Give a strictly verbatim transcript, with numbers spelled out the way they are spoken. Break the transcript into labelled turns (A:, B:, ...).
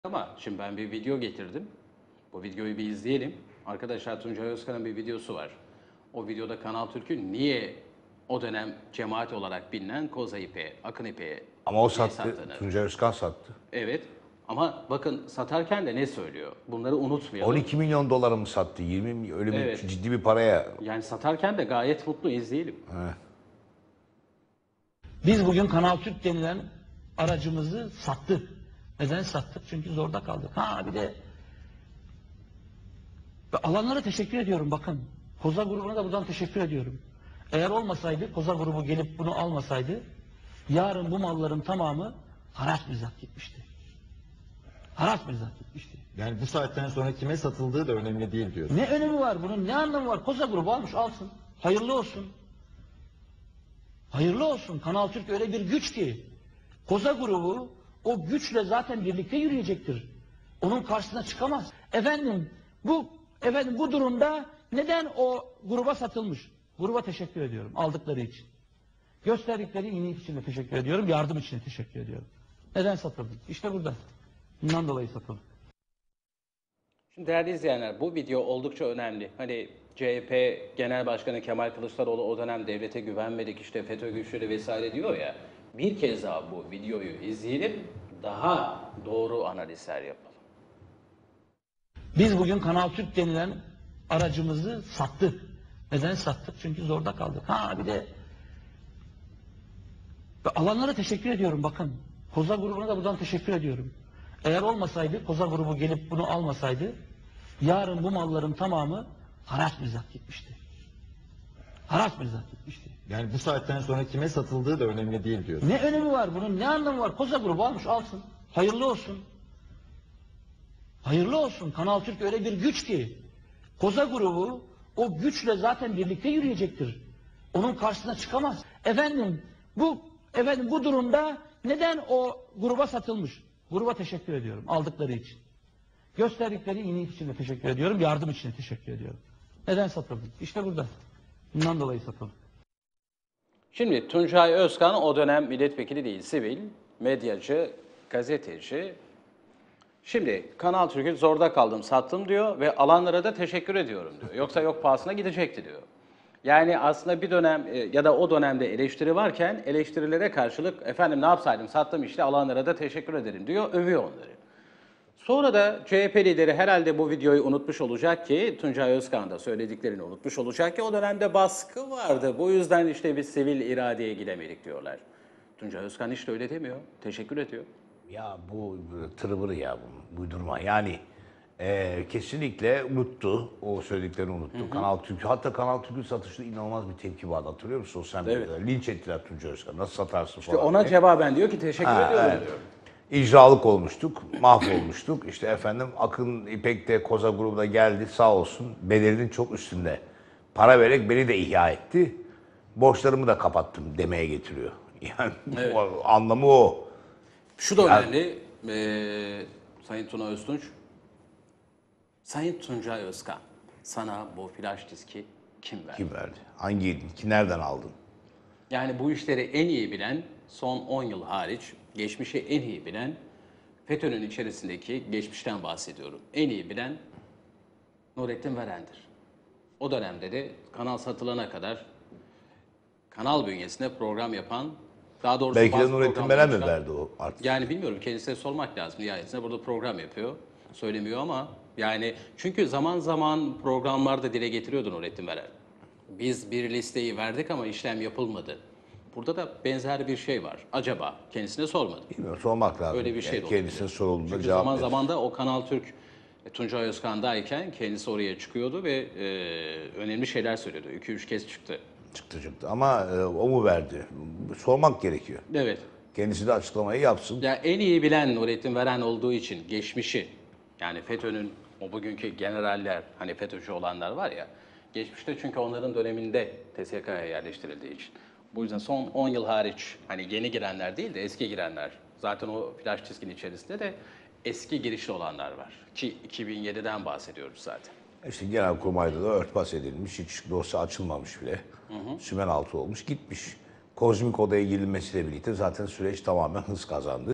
A: Ama şimdi ben bir video getirdim. Bu videoyu bir izleyelim. Arkadaşlar Tuncay Özkan'ın bir videosu var. O videoda Kanal Türk'ün niye o dönem cemaat olarak bilinen Koza İpek'e, Akın İpek'e
B: Ama o
A: niye
B: sattı.
A: sattığını.
B: Tuncay Özkan sattı.
A: Evet. Ama bakın satarken de ne söylüyor? Bunları unutmayalım.
B: on iki milyon dolara mı sattı? yirmi mi? Öyle bir
A: Evet.
B: ciddi bir paraya.
A: Yani satarken de gayet mutlu, izleyelim.
B: He.
C: Biz bugün Kanal Türk denilen aracımızı sattık. Neden sattık? Çünkü zorda kaldık. Ha bir de ve alanlara teşekkür ediyorum bakın. Koza grubuna da buradan teşekkür ediyorum. Eğer olmasaydı, Koza grubu gelip bunu almasaydı, yarın bu malların tamamı haraç mizah gitmişti. Haraç mizah gitmişti.
D: Yani bu saatten sonra kime satıldığı da önemli değil diyor.
C: Ne önemi var bunun? Ne anlamı var? Koza grubu almış alsın. Hayırlı olsun. Hayırlı olsun. Kanal Türk öyle bir güç ki Koza grubu o güçle zaten birlikte yürüyecektir. Onun karşısına çıkamaz. Efendim bu efendim bu durumda neden o gruba satılmış? Gruba teşekkür ediyorum aldıkları için. Gösterdikleri iyilik için de teşekkür ediyorum. Yardım için de teşekkür ediyorum. Neden satıldı? İşte burada. Bundan dolayı satıldı.
A: Şimdi değerli izleyenler, bu video oldukça önemli. Hani C H P Genel Başkanı Kemal Kılıçdaroğlu o dönem devlete güvenmedik, işte FETÖ güçleri vesaire diyor ya. Bir kez daha bu videoyu izleyelim, daha doğru analizler yapalım.
C: Biz bugün Kanal Türk denilen aracımızı sattık. Neden sattık? Çünkü zorda kaldık. Ha bir de ve alanlara teşekkür ediyorum bakın. Koza grubuna da buradan teşekkür ediyorum. Eğer olmasaydı, Koza grubu gelip bunu almasaydı, yarın bu malların tamamı haraç mizah gitmişti. Haraç mizah gitmişti.
D: Yani bu saatten sonra kime satıldığı da önemli değil diyor.
C: Ne önemi var bunun? Ne anlamı var? Koza grubu almış alsın. Hayırlı olsun. Hayırlı olsun. Kanal Türk öyle bir güç ki Koza grubu o güçle zaten birlikte yürüyecektir. Onun karşısına çıkamaz. Efendim bu efendim bu durumda neden o gruba satılmış? Gruba teşekkür ediyorum aldıkları için. Gösterdikleri iyilik için de teşekkür ediyorum. Yardım için de teşekkür ediyorum. Neden satıldı? İşte burada. Bundan dolayı satıldı.
A: Şimdi Tuncay Özkan o dönem milletvekili değil, sivil, medyacı, gazeteci. Şimdi Kanal Türk'ü zorda kaldım, sattım diyor ve alanlara da teşekkür ediyorum diyor. Yoksa yok pahasına gidecekti diyor. Yani aslında bir dönem e, ya da o dönemde eleştiri varken eleştirilere karşılık efendim ne yapsaydım sattım işte alanlara da teşekkür ederim diyor, övüyor onları. Sonra da C H P lideri herhalde bu videoyu unutmuş olacak ki, Tuncay Özkan da söylediklerini unutmuş olacak ki o dönemde baskı vardı. Bu yüzden işte biz sivil iradeye gidemedik diyorlar. Tuncay Özkan işte öyle demiyor, teşekkür ediyor.
B: Ya bu tırıvırı ya bu uydurma. Yani e, kesinlikle unuttu. O söylediklerini unuttu. Hı hı. Kanal Türk, hatta Kanal Türk'ün satışında inanılmaz bir tepki vardı. Hatırlıyor musun? Sosyal medyada. Evet. Linç ettiler Tuncay Özkan. Nasıl satarsın
A: İşte
B: falan
A: ona
B: diye.
A: cevaben diyor ki teşekkür ha, ediyorum evet. diyor.
B: İcralık olmuştuk, mahvolmuştuk. İşte efendim Akın İpek de Koza grubuna geldi sağ olsun. Bedelinin çok üstünde. Para vererek beni de ihya etti. Borçlarımı da kapattım demeye getiriyor. Yani evet. o, anlamı o.
A: Şu da
B: yani,
A: önemli, ee, Sayın Tuna Öztunç. Sayın Tuncay Özkan, sana bu flash diski kim verdi?
B: Kim verdi? Hangi, ki nereden aldın?
A: Yani bu işleri en iyi bilen, son on yıl hariç, geçmişi en iyi bilen, FETÖ'nün içerisindeki, geçmişten bahsediyorum, en iyi bilen Nurettin Veren'dir. O dönemde de kanal satılana kadar kanal bünyesinde program yapan, daha doğrusu
B: belki de Nurettin Veren mi verdi o artık?
A: Yani bilmiyorum, kendisine sormak lazım. Nihayetinde burada program yapıyor, söylemiyor ama yani çünkü zaman zaman programlarda dile getiriyordu Nurettin Veren. Biz bir listeyi verdik ama işlem yapılmadı. Burada da benzer bir şey var. Acaba kendisine sormadı.
B: Bilmiyorum, sormak lazım.
A: Öyle bir şey
B: yani kendisine sorulduğunda
A: Çünkü
B: cevap
A: zaman
B: verir.
A: zaman da o Kanal Türk Tuncay Özkan'dayken kendisi oraya çıkıyordu ve e, önemli şeyler söylüyordu. İki üç kez çıktı.
B: Çıktı çıktı ama e, o mu verdi? Sormak gerekiyor.
A: Evet.
B: Kendisi de açıklamayı yapsın.
A: Ya en iyi bilen Nurettin Veren olduğu için geçmişi, yani FETÖ'nün o bugünkü generaller, hani FETÖ'cü olanlar var ya, geçmişte çünkü onların döneminde T S K'ya yerleştirildiği için. Bu yüzden son on yıl hariç, hani yeni girenler değil de eski girenler, zaten o flash diskin içerisinde de eski girişli olanlar var. Ki iki bin yediden bahsediyoruz zaten.
B: İşte Genelkurmay'da da örtbas edilmiş, hiç dosya açılmamış bile. Hı hı. Sümen altı olmuş, gitmiş. Kozmik odaya girilmesiyle birlikte zaten süreç tamamen hız kazandı.